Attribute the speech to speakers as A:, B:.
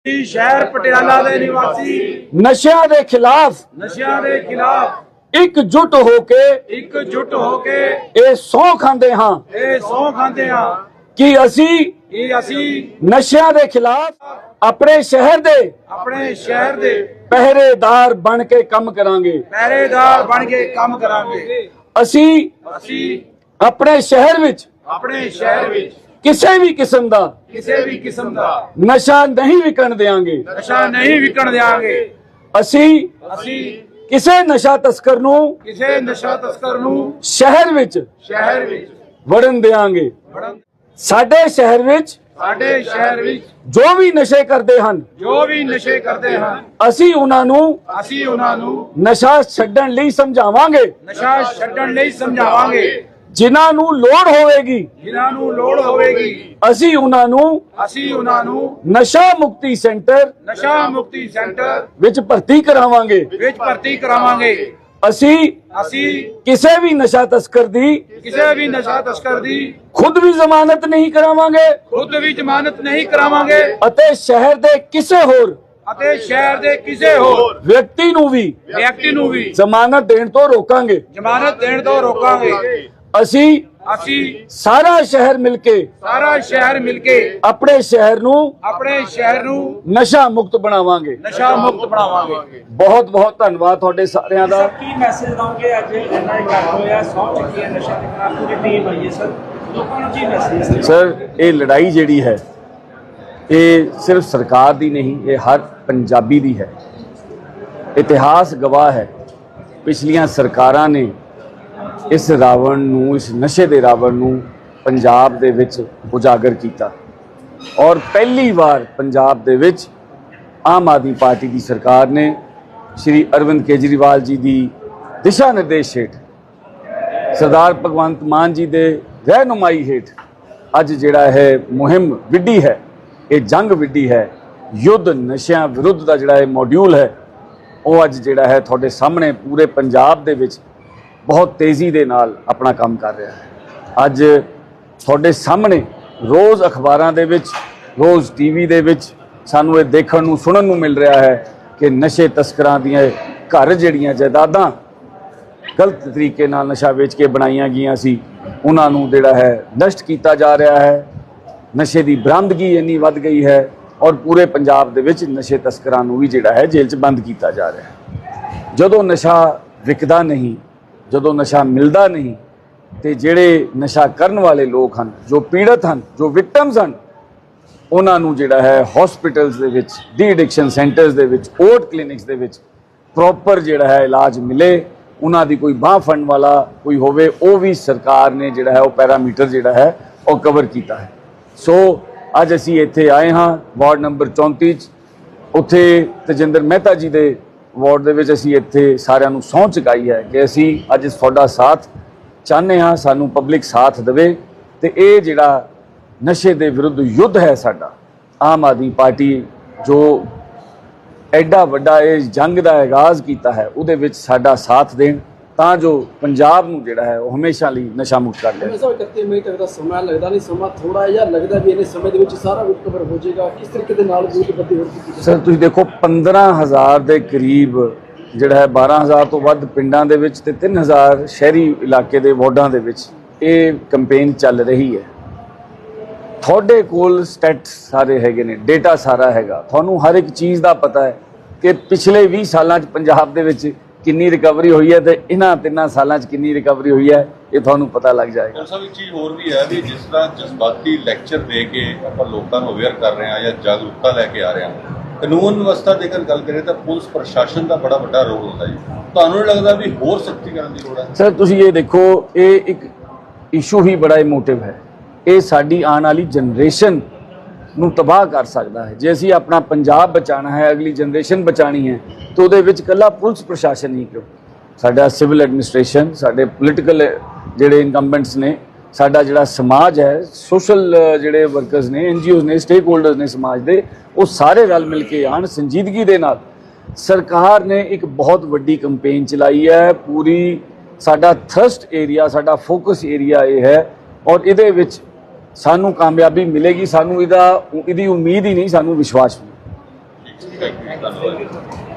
A: शहर पटियाला दे निवासी
B: नशिਆਂ ਦੇ खिलाफ एकजुट होके ਇਹ ਸਹੁੰ ਖਾਂਦੇ ਹਾਂ कि ਅਸੀਂ ਨਸ਼ਿਆਂ ਦੇ ਖਿਲਾਫ ਆਪਣੇ ਸ਼ਹਿਰ ਦੇ ਪਹਿਰੇਦਾਰ ਬਣ ਕੇ ਕੰਮ ਕਰਾਂਗੇ। ਅਸੀਂ ਆਪਣੇ ਸ਼ਹਿਰ ਵਿੱਚ ਕਿਸੇ ਵੀ ਕਿਸਮ ਦਾ ਨਸ਼ਾ ਨਹੀਂ ਵਿਕਣ ਦੇਵਾਂਗੇ। ਅਸੀਂ ਕਿਸੇ ਨਸ਼ਾ ਤਸਕਰ ਨੂੰ ਸ਼ਹਿਰ ਵਿੱਚ ਵੜਨ ਦੇਵਾਂਗੇ। ਸਾਡੇ ਸ਼ਹਿਰ ਵਿੱਚ ਜੋ ਵੀ ਨਸ਼ੇ ਕਰਦੇ ਹਨ ਅਸੀਂ ਉਹਨਾਂ ਨੂੰ ਨਸ਼ਾ ਛੱਡਣ ਲਈ ਸਮਝਾਵਾਂਗੇ। ਜਿਨ੍ਹਾਂ ਨੂੰ ਲੋੜ ਹੋਵੇਗੀ ਅਸੀਂ ਉਹਨਾਂ ਨੂੰ ਨਸ਼ਾ ਮੁਕਤੀ ਸੈਂਟਰ ਵਿੱਚ ਭਰਤੀ ਕਰਾਵਾਂਗੇ। ਅਸੀਂ ਕਿਸੇ ਵੀ ਨਸ਼ਾ ਤਸਕਰ ਦੀ ਖੁਦ ਵੀ ਜ਼ਮਾਨਤ ਨਹੀਂ ਕਰਾਵਾਂਗੇ ਅਤੇ ਸ਼ਹਿਰ ਦੇ ਕਿਸੇ ਹੋਰ ਵਿਅਕਤੀ ਨੂੰ ਵੀ ਜ਼ਮਾਨਤ ਦੇਣ ਤੋਂ ਰੋਕਾਂਗੇ। ਅਸੀਂ ਸਾਰਾ ਸ਼ਹਿਰ ਮਿਲ ਕੇ ਆਪਣੇ ਸ਼ਹਿਰ ਨੂੰ ਨਸ਼ਾ ਮੁਕਤ ਬਣਾਵਾਂਗੇ। ਬਹੁਤ ਬਹੁਤ ਧੰਨਵਾਦ ਤੁਹਾਡੇ ਸਾਰਿਆਂ ਦਾ।
C: ਕੀ ਮੈਸੇਜ ਦਵਾਂਗੇ? ਅੱਜ ਇੰਨਾ ਇਕੱਠ ਹੋਇਆ, ਸਹੁੰ ਚੱਕੀ ਹੈ ਨਸ਼ਾ ਦੇ ਖਿਲਾਫ, ਪੂਰੀ ਟੀਮ ਆਈ ਹੈ ਸਰ, ਲੋਕਾਂ ਨੂੰ ਕੀ ਮੈਸੇਜ ਹੈ?
B: ਸਰ ਇਹ ਲੜਾਈ ਜਿਹੜੀ ਹੈ ਇਹ ਸਿਰਫ ਸਰਕਾਰ ਦੀ ਨਹੀਂ, ਇਹ ਹਰ ਪੰਜਾਬੀ ਦੀ ਹੈ। ਇਤਿਹਾਸ ਗਵਾਹ ਹੈ, ਪਿਛਲੀਆਂ ਸਰਕਾਰਾਂ ਨੇ ਇਸ ਰਾਵਣ ਨੂੰ, ਇਸ ਨਸ਼ੇ ਦੇ ਰਾਵਣ ਨੂੰ ਪੰਜਾਬ ਦੇ ਵਿੱਚ ਉਜਾਗਰ ਕੀਤਾ ਔਰ ਪਹਿਲੀ ਵਾਰ ਪੰਜਾਬ ਦੇ ਵਿੱਚ ਆਮ ਆਦਮੀ ਪਾਰਟੀ ਦੀ ਸਰਕਾਰ ਨੇ ਸ਼੍ਰੀ ਅਰਵਿੰਦ ਕੇਜਰੀਵਾਲ ਜੀ ਦੀ ਦਿਸ਼ਾ ਨਿਰਦੇਸ਼ ਹੇਠ, ਸਰਦਾਰ ਭਗਵੰਤ ਮਾਨ ਜੀ ਦੇ ਰਹਿਨੁਮਾਈ ਹੇਠ ਅੱਜ ਜਿਹੜਾ ਹੈ ਮੁਹਿੰਮ ਵਿੱਢੀ ਹੈ, ਇਹ ਜੰਗ ਵਿੱਢੀ ਹੈ। ਯੁੱਧ ਨਸ਼ਿਆਂ ਵਿਰੁੱਧ ਦਾ ਜਿਹੜਾ ਇਹ ਮੋਡਿਊਲ ਹੈ ਉਹ ਅੱਜ ਜਿਹੜਾ ਹੈ ਤੁਹਾਡੇ ਸਾਹਮਣੇ ਪੂਰੇ ਪੰਜਾਬ ਦੇ ਵਿੱਚ ਬਹੁਤ ਤੇਜ਼ੀ ਦੇ ਨਾਲ ਆਪਣਾ ਕੰਮ ਕਰ ਰਿਹਾ ਹੈ। ਅੱਜ ਤੁਹਾਡੇ ਸਾਹਮਣੇ ਰੋਜ਼ ਅਖਬਾਰਾਂ ਦੇ ਵਿੱਚ, ਰੋਜ਼ ਟੀਵੀ ਦੇ ਵਿੱਚ ਸਾਨੂੰ ਇਹ ਦੇਖਣ ਨੂੰ ਸੁਣਨ ਨੂੰ ਮਿਲ ਰਿਹਾ ਹੈ ਕਿ ਨਸ਼ੇ ਤਸਕਰਾਂ ਦੀਆਂ ਘਰ ਜਿਹੜੀਆਂ ਜਾਇਦਾਦਾਂ ਗਲਤ ਤਰੀਕੇ ਨਾਲ ਨਸ਼ਾ ਵੇਚ ਕੇ ਬਣਾਈਆਂ ਗਈਆਂ ਸੀ ਉਹਨਾਂ ਨੂੰ ਜਿਹੜਾ ਹੈ ਨਸ਼ਟ ਕੀਤਾ ਜਾ ਰਿਹਾ ਹੈ। ਨਸ਼ੇ ਦੀ ਬਰਾਮਦਗੀ ਇੰਨੀ ਵੱਧ ਗਈ ਹੈ ਔਰ ਪੂਰੇ ਪੰਜਾਬ ਦੇ ਵਿੱਚ ਨਸ਼ੇ ਤਸਕਰਾਂ ਨੂੰ ਵੀ ਜਿਹੜਾ ਹੈ ਜੇਲ੍ਹ 'ਚ ਬੰਦ ਕੀਤਾ ਜਾ ਰਿਹਾ ਹੈ। ਜਦੋਂ ਨਸ਼ਾ ਵਿਕਦਾ ਨਹੀਂ, ਜਦੋਂ ਨਸ਼ਾ ਮਿਲਦਾ ਨਹੀਂ ਤੇ ਜਿਹੜੇ ਨਸ਼ਾ ਕਰਨ ਵਾਲੇ ਲੋਕ ਹਨ, ਜੋ ਪੀੜਤ ਹਨ, ਜੋ ਵਿਕਟਮਸ ਹਨ, ਉਹਨਾਂ ਨੂੰ ਜਿਹੜਾ ਹੈ ਹਸਪੀਟਲਸ ਦੇ ਵਿੱਚ, ਡੀ ਐਡਿਕਸ਼ਨ ਸੈਂਟਰਸ ਦੇ ਵਿੱਚ, ਓਟ ਕਲੀਨਿਕਸ ਦੇ ਵਿੱਚ ਪ੍ਰੋਪਰ ਜਿਹੜਾ ਹੈ ਇਲਾਜ ਮਿਲੇ, ਉਹਨਾਂ ਦੀ ਕੋਈ ਬਾਂਹ ਫੜਨ ਵਾਲਾ ਕੋਈ ਹੋਵੇ, ਉਹ ਵੀ ਸਰਕਾਰ ਨੇ ਜਿਹੜਾ ਹੈ ਉਹ ਪੈਰਾਮੀਟਰ ਜਿਹੜਾ ਹੈ ਉਹ ਕਵਰ ਕੀਤਾ ਹੈ। ਸੋ ਅੱਜ ਅਸੀਂ ਇੱਥੇ ਆਏ ਹਾਂ ਵਾਰਡ ਨੰਬਰ 34 'ਚ, ਉੱਥੇ ਤਜਿੰਦਰ ਮਹਿਤਾ ਜੀ ਦੇ ਵਾਰਡ ਦੇ ਵਿੱਚ ਅਸੀਂ ਇੱਥੇ ਸਾਰਿਆਂ ਨੂੰ ਸਹੁੰ ਚੁਕਾਈ ਹੈ ਕਿ ਅਸੀਂ ਅੱਜ ਤੁਹਾਡਾ ਸਾਥ ਚਾਹੁੰਦੇ ਹਾਂ, ਸਾਨੂੰ ਪਬਲਿਕ ਸਾਥ ਦੇਵੇ ਤੇ ਇਹ ਜਿਹੜਾ ਨਸ਼ੇ ਦੇ ਵਿਰੁੱਧ ਯੁੱਧ ਹੈ ਸਾਡਾ, ਆਮ ਆਦਮੀ ਪਾਰਟੀ ਜੋ ਐਡਾ ਵੱਡਾ ਇਹ ਜੰਗ ਦਾ ਆਗਾਜ਼ ਕੀਤਾ ਹੈ ਉਹਦੇ ਵਿੱਚ ਸਾਡਾ ਸਾਥ ਦੇਣ ਤਾਂ ਜੋ ਪੰਜਾਬ ਨੂੰ ਜਿਹੜਾ ਹੈ ਉਹ ਹਮੇਸ਼ਾ ਲਈ ਨਸ਼ਾ ਮੁਕਤ ਕਰ ਲਿਆ।
D: 31 ਮਈ ਤੱਕ ਦਾ ਸਮਾਂ ਲੱਗਦਾ ਨਹੀਂ, ਸਮਾਂ ਥੋੜਾ ਜਿਹਾ ਲੱਗਦਾ ਵੀ ਇਹਨੇ ਸਮੇਂ ਦੇ ਵਿੱਚ ਸਾਰਾ ਕੁਝ ਕਵਰ ਹੋ ਜਾਏਗਾ। ਕਿਸ ਤਰੀਕੇ ਦੇ ਨਾਲ ਬੂਥਬੰਦੀ ਹੋ ਰਹੀ?
B: ਸਰ ਤੁਸੀਂ ਦੇਖੋ 15,000 ਦੇ ਕਰੀਬ ਜਿਹੜਾ ਹੈ 12,000 ਤੋਂ ਵੱਧ ਪਿੰਡਾਂ ਦੇ ਵਿੱਚ ਤੇ 3,000 ਸ਼ਹਿਰੀ ਇਲਾਕੇ ਦੇ ਵਾਰਡਾਂ ਦੇ ਵਿੱਚ ਇਹ ਕੈਂਪੇਨ ਚੱਲ ਰਹੀ ਹੈ। ਤੁਹਾਡੇ ਕੋਲ ਸਟੈਟ ਸਾਰੇ ਹੈਗੇ ਨੇ, ਡੇਟਾ ਸਾਰਾ ਹੈਗਾ, ਤੁਹਾਨੂੰ ਹਰ ਇੱਕ ਚੀਜ਼ ਦਾ ਪਤਾ ਹੈ ਕਿ ਪਿਛਲੇ 20 ਸਾਲਾਂ 'ਚ ਪੰਜਾਬ ਦੇ ਵਿੱਚ ਕਿੰਨੀ ਰਿਕਵਰੀ ਹੋਈ ਹੈ ਤੇ ਇਹਨਾਂ 3 ਸਾਲਾਂ 'ਚ ਕਿੰਨੀ ਰਿਕਵਰੀ ਹੋਈ ਹੈ, ਇਹ ਤੁਹਾਨੂੰ ਪਤਾ ਲੱਗ ਜਾਏਗਾ।
E: ਸਭ ਇੱਕ ਚੀਜ਼ ਹੋਰ ਵੀ ਹੈ ਵੀ ਜਿਸ ਤਰ੍ਹਾਂ ਜਜ਼ਬਾਤੀ ਲੈਕਚਰ ਦੇ ਕੇ ਆਪਾਂ ਲੋਕਾਂ ਨੂੰ ਅਵੇਅਰ ਕਰ ਰਹੇ ਹਾਂ ਜਾਂ ਜਾਗਰੂਕਤਾ ਲੈ ਕੇ ਆ ਰਹੇ ਹਾਂ, ਕਾਨੂੰਨ ਵਿਵਸਥਾ ਦੀ ਅਗਰ ਗੱਲ ਕਰੀਏ ਤਾਂ ਪੁਲਿਸ ਪ੍ਰਸ਼ਾਸਨ ਦਾ ਬੜਾ ਵੱਡਾ ਰੋਲ ਹੁੰਦਾ ਜੀ। ਤੁਹਾਨੂੰ ਨਹੀਂ ਲੱਗਦਾ ਵੀ ਹੋਰ ਸਖਤੀ ਕਰਨ ਦੀ ਲੋੜ ਹੈ?
B: ਸਰ ਤੁਸੀਂ ਇਹ ਦੇਖੋ, ਇਹ ਇੱਕ ਇਸ਼ੂ ਹੀ ਬੜਾ ਇਮੋਟਿਵ ਹੈ। ਇਹ ਸਾਡੀ ਆਉਣ ਵਾਲੀ ਜਨਰੇਸ਼ਨ ਨੂੰ ਤਬਾਹ ਕਰ ਸਕਦਾ ਹੈ। ਜੇ ਅਸੀਂ ਆਪਣਾ ਪੰਜਾਬ ਬਚਾਉਣਾ ਹੈ, ਅਗਲੀ ਜਨਰੇਸ਼ਨ ਬਚਾਉਣੀ ਹੈ ਤਾਂ ਉਹਦੇ ਵਿੱਚ ਇਕੱਲਾ ਪੁਲਿਸ ਪ੍ਰਸ਼ਾਸਨ ਨਹੀਂ, ਕਿਉਂ ਸਾਡਾ ਸਿਵਲ ਐਡਮਿਨਿਸਟ੍ਰੇਸ਼ਨ, ਸਾਡੇ ਪੋਲੀਟੀਕਲ ਜਿਹੜੇ ਇਨਕੰਬੈਂਟਸ ਨੇ, ਸਾਡਾ ਜਿਹੜਾ ਸਮਾਜ ਹੈ, ਸੋਸ਼ਲ ਜਿਹੜੇ ਵਰਕਰਸ ਨੇ, NGOs ਨੇ, ਸਟੇਕ ਹੋਲਡਰਸ ਨੇ ਸਮਾਜ ਦੇ, ਉਹ ਸਾਰੇ ਰਲ ਮਿਲ ਕੇ ਆਉਣ ਸੰਜੀਦਗੀ ਦੇ ਨਾਲ। ਸਰਕਾਰ ਨੇ ਇੱਕ ਬਹੁਤ ਵੱਡੀ ਕੈਂਪੇਨ ਚਲਾਈ ਹੈ, ਪੂਰੀ ਸਾਡਾ ਥਰਸਟ ਏਰੀਆ, ਸਾਡਾ ਫੋਕਸ ਏਰੀਆ ਇਹ ਹੈ ਔਰ ਇਹਦੇ ਵਿੱਚ ਸਾਨੂੰ ਕਾਮਯਾਬੀ ਮਿਲੇਗੀ। ਸਾਨੂੰ ਇਹਦੀ ਉਮੀਦ ਹੀ ਨਹੀਂ, ਸਾਨੂੰ ਵਿਸ਼ਵਾਸ ਵੀ।
E: ਥੈਂਕ ਯੂ ਧੰਨਵਾਦ।